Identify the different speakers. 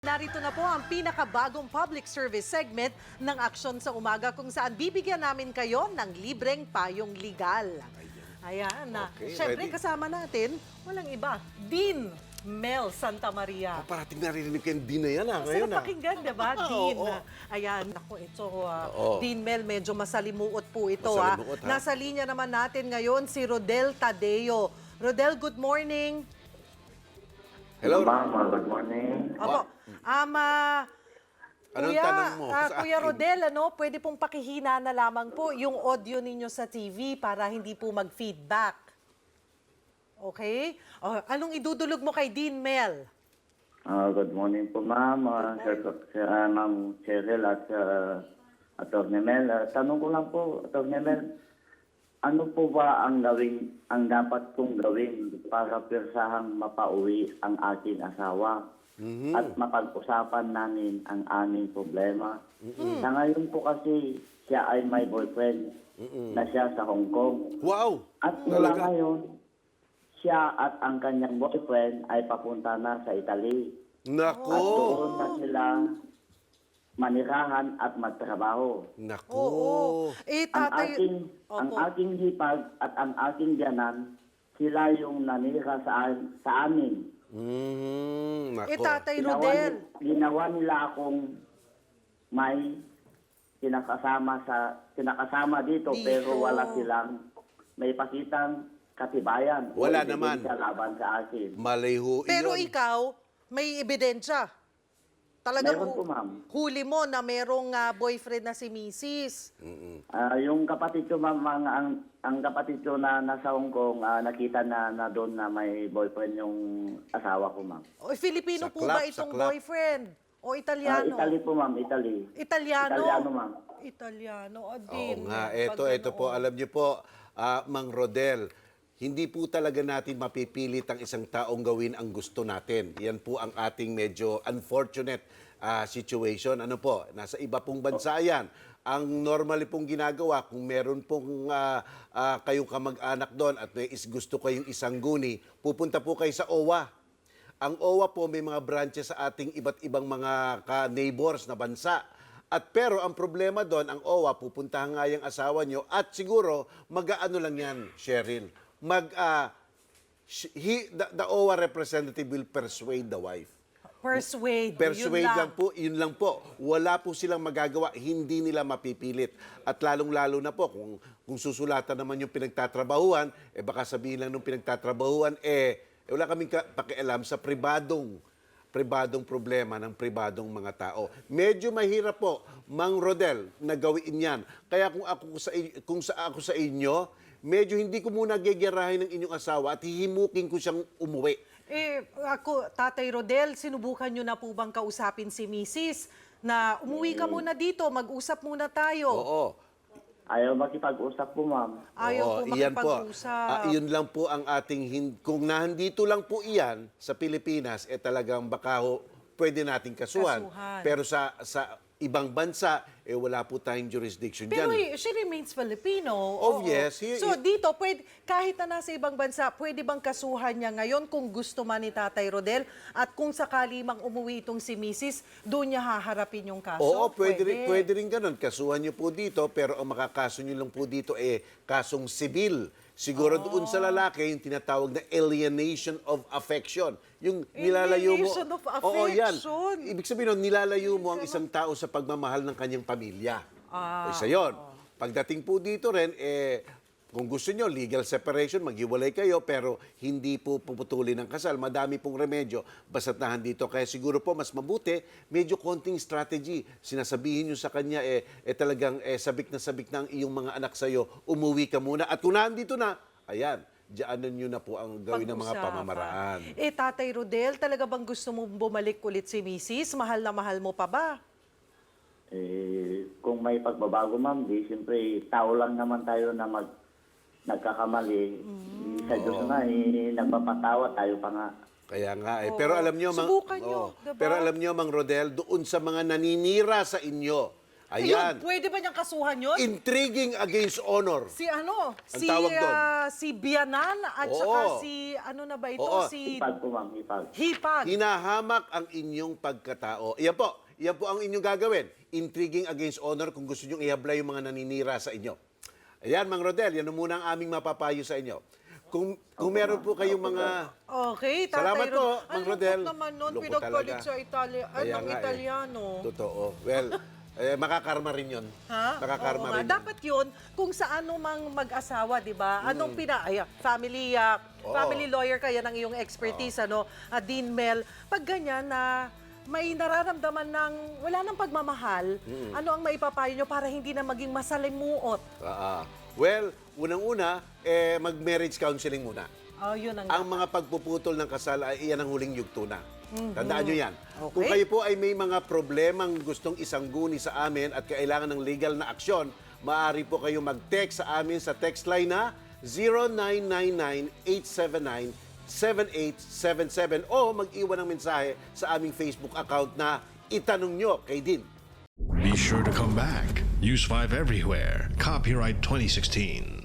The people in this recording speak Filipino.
Speaker 1: Narito na po ang pinakabagong public service segment ng Aksyon sa Umaga kung saan bibigyan namin kayo ng libreng payong legal. Ayan na.
Speaker 2: Okay,
Speaker 1: Siyempre
Speaker 2: ready?
Speaker 1: kasama natin, walang iba, Dean Mel Santa Maria.
Speaker 2: Parating narinig ko yung Dean na yan ngayon
Speaker 1: Sarap pakinggan, diba, Dean?
Speaker 2: Oo.
Speaker 1: Ayan, ako ito,
Speaker 2: Oo.
Speaker 1: Dean Mel, medyo masalimuot po ito.
Speaker 2: Masalimuot, ha?
Speaker 1: Nasa linya naman natin ngayon si Rodel Tadeo. Rodel, good morning.
Speaker 2: Hello.
Speaker 3: Ma'am, good morning.
Speaker 1: Opo.
Speaker 2: Anong
Speaker 1: Kuya,
Speaker 2: tanong mo sa
Speaker 1: Kuya
Speaker 2: akin?
Speaker 1: Rodel, pwede pong pakihina na lamang po yung audio ninyo sa TV para hindi po mag-feedback. Okay? Anong idudulog mo kay Dean Mel?
Speaker 3: Good morning po, ma'am. Ma'am Cheryl at Atty. Mel. Tanong ko lang po, Atty. Mel, ano po ba ang dapat kong gawin para pirsahang mapauwi ang aking asawa? At mapag-usapan namin ang aming problema. Sa ngayon po kasi siya ay may boyfriend na siya sa Hong Kong.
Speaker 2: Wow!
Speaker 3: At mula
Speaker 2: Talaga?
Speaker 3: ngayon, siya at ang kanyang boyfriend ay papunta na sa Italy. At
Speaker 2: Nako!
Speaker 3: doon na sila manirahan at magtrabaho.
Speaker 2: Nako!
Speaker 1: Oo.
Speaker 3: Ang aking hipag at ang aking biyanan, sila yung nanira sa amin.
Speaker 2: Nako.
Speaker 1: Tatay Rodel.
Speaker 3: Ginawa nila akong may kinakasama dito, pero wala silang may pakitang katibayan.
Speaker 2: Wala
Speaker 3: o
Speaker 2: naman.
Speaker 3: ebidensya laban sa akin.
Speaker 2: Maliho
Speaker 1: Pero
Speaker 2: iyon.
Speaker 1: ikaw, may ebidensya. Talagang
Speaker 3: Meron po, ma'am.
Speaker 1: huli mo na merong boyfriend na si Mrs.
Speaker 3: Yung kapatid ko, ma'am, ang kapatid ko na nasa Hong Kong, nakita na doon na may boyfriend yung asawa ko, ma'am.
Speaker 1: O, Filipino po
Speaker 2: Saklap,
Speaker 1: ba itong
Speaker 2: saklap.
Speaker 1: boyfriend? O Italiano?
Speaker 3: Italy po, ma'am, Italy.
Speaker 1: Italiano?
Speaker 3: Italiano, ma'am.
Speaker 1: Italiano.
Speaker 2: Oo
Speaker 1: Dean.
Speaker 2: nga.
Speaker 1: Pag
Speaker 2: Ito po,
Speaker 1: ano,
Speaker 2: alam niyo po, Mang Rodel, hindi po talaga natin mapipilit ang isang taong gawin ang gusto natin. Yan po ang ating medyo unfortunate situation. Ano po, nasa iba pong bansa yan. Ang normally pong ginagawa, kung meron pong kayong kamag-anak doon at may gusto kayong isang guni, pupunta po kayo sa OWA. Ang OWA po may mga branches sa ating iba't ibang mga ka-neighbors na bansa. At pero ang problema doon, ang OWA, pupuntahan nga yung asawa nyo at siguro mag-aano lang yan, Cheryl. The OWA representative will persuade the wife.
Speaker 1: Persuade.
Speaker 2: Persuade
Speaker 1: yun
Speaker 2: lang po, yun lang po. Wala po silang magagawa, hindi nila mapipilit. At lalong-lalo na po, kung susulatan naman yung pinagtatrabahuan, baka sabihin lang nung pinagtatrabahuan, wala kaming pakialam sa pribadong problema ng pribadong mga tao. Medyo mahirap po, Mang Rodel, na gawin yan. Kaya kung ako sa inyo, medyo hindi ko muna gegerahin ng inyong asawa at hihimukin ko siyang umuwi.
Speaker 1: Ako, Tatay Rodel, sinubukan nyo na po bang kausapin si Mrs. na umuwi ka muna dito, mag-usap muna tayo?
Speaker 2: Oo.
Speaker 3: Ayaw makipag-usap po, ma'am.
Speaker 1: Ayaw po
Speaker 2: Iyan po.
Speaker 1: makipag-usap.
Speaker 2: Yun lang po ang ating, kung nandito lang po iyan sa Pilipinas, talagang baka pwede nating kasuhan.
Speaker 1: Kasuhan.
Speaker 2: Pero sa ibang bansa, wala po tayong jurisdiction
Speaker 1: Pero
Speaker 2: dyan.
Speaker 1: she remains Filipino.
Speaker 2: Oh,
Speaker 1: Oo.
Speaker 2: yes.
Speaker 1: So dito, kahit na nasa ibang bansa, pwede bang kasuhan niya ngayon kung gusto man ni Tatay Rodel? At kung sakali mang umuwi itong si Mrs., doon niya haharapin yung kaso?
Speaker 2: Oo, pwede rin ganun. Kasuhan nyo po dito, pero ang makakaso nyo lang po dito kasong sibil. Siguro doon sa lalaki, yung tinatawag na alienation of affection. Yung nilalayo mo.
Speaker 1: Alienation of
Speaker 2: Oo, yan.
Speaker 1: affection.
Speaker 2: Ibig sabihin nun, nilalayo mo ang isang tao sa pagmamahal ng kanyang pamilya. Isa yun. Pagdating po dito rin, kung gusto nyo, legal separation, maghiwalay kayo, pero hindi po puputulin ng kasal. Madami pong remedyo, basta't nahandito. Kaya siguro po, mas mabuti, medyo konting strategy. Sinasabihin nyo sa kanya, talagang sabik na ang iyong mga anak sa'yo, umuwi ka muna. At kung nandito na, ayan, diyaanan nyo na po ang gawin ng mga
Speaker 1: Pag-usapan.
Speaker 2: pamamaraan.
Speaker 1: Tatay Rodel, talaga bang gusto mo bumalik ulit si Mrs.? Mahal na mahal mo pa ba?
Speaker 3: Kung may pagbabago, ma'am, siyempre, tao lang naman tayo na nagkakamali. Sa Diyos na, nagpapatawa tayo pa nga.
Speaker 2: Kaya nga Pero alam nyo,
Speaker 1: Subukan nyo, diba?
Speaker 2: Pero alam nyo, Mang Rodel, doon sa mga naninira sa inyo, Ayan.
Speaker 1: Yun, pwede ba niyang kasuhan yun?
Speaker 2: Intriguing against honor.
Speaker 1: Si ano?
Speaker 2: Ang tawag doon.
Speaker 1: Si Bianan at
Speaker 2: Oo.
Speaker 1: saka si ano na ba ito?
Speaker 2: Oo.
Speaker 1: Si
Speaker 3: Ipag po, ma'am, ipag.
Speaker 1: Hipag.
Speaker 2: Hinahamak ang inyong pagkatao. Yan po ang inyong gagawin. Intriguing against honor kung gusto nyo ihabla yung mga naninira sa inyo. Ayan, Mang Rodel, yan muna ang aming mapapayo sa inyo. Kung meron po kayong mga...
Speaker 1: Okay, Tatay
Speaker 2: Salamat po,
Speaker 1: Rodel.
Speaker 2: Mang
Speaker 1: Ang
Speaker 2: Rodel.
Speaker 1: lungkot naman nun,
Speaker 2: Lungkot
Speaker 1: pinagpalit
Speaker 2: talaga.
Speaker 1: sa
Speaker 2: Kaya
Speaker 1: ng
Speaker 2: nga
Speaker 1: Italiano.
Speaker 2: Totoo. Well, makakarma rin yun.
Speaker 1: Ha?
Speaker 2: Makakarma
Speaker 1: Oo nga.
Speaker 2: rin yun.
Speaker 1: Dapat yun, kung sa ano mang mag-asawa, di ba? Anong family,
Speaker 2: Oo.
Speaker 1: family lawyer kaya ng iyong expertise, ano? Dean Mel, pag ganyan na may nararamdaman ng wala nang pagmamahal, ano ang maipapayo nyo para hindi na maging masalimuot?
Speaker 2: Well, unang-una, mag-marriage counseling muna.
Speaker 1: Oh, yun ang...
Speaker 2: Ang mga pagpuputol ng kasal ay iyan ang huling yugto na. Tandaan nyo yan.
Speaker 1: Okay.
Speaker 2: Kung kayo po ay may mga problemang gustong isangguni sa amin at kailangan ng legal na aksyon, maaari po kayo mag-text sa amin sa text line na 0999-879-7877 o mag-iwan ng mensahe sa aming Facebook account na itanong nyo kay Dean.
Speaker 4: Be sure to come back. Use 5 everywhere. Copyright 2016.